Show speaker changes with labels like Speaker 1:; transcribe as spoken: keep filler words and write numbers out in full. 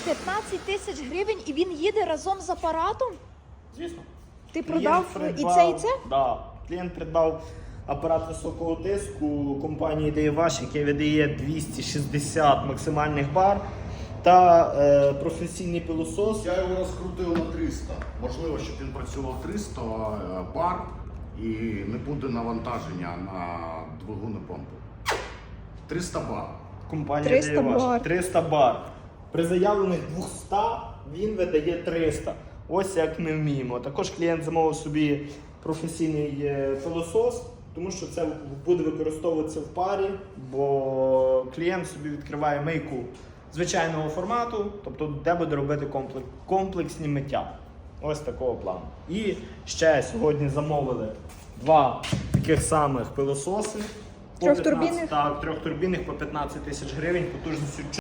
Speaker 1: п'ятнадцять тисяч гривень і він їде разом з апаратом?
Speaker 2: Звісно.
Speaker 1: Ти
Speaker 2: Клієнт
Speaker 1: продав
Speaker 2: придбав-
Speaker 1: і це, і це?
Speaker 2: Да. Клієнт придбав апарат високого тиску компанії Daywash, який видає двісті шістдесят максимальних бар, та е, професійний пилосос.
Speaker 3: Я його розкрутив на триста. Можливо, щоб він працював триста бар і не буде навантаження на двигун і помпу. триста бар.
Speaker 2: Компанія
Speaker 1: триста
Speaker 2: Daywash.
Speaker 1: бар.
Speaker 2: триста бар. При заявлених двісті він видає триста. Ось як ми вміємо. Також клієнт замовив собі професійний е, пилосос, тому що це буде використовуватися в парі, бо клієнт собі відкриває мийку звичайного формату, тобто де буде робити комплекс, комплексні миття. Ось такого плану. І ще сьогодні замовили два таких самих пилососи. По
Speaker 1: Трьохтурбінних?
Speaker 2: п'ятнадцять, так, трьохтурбінних по п'ятнадцять тисяч гривень, потужністю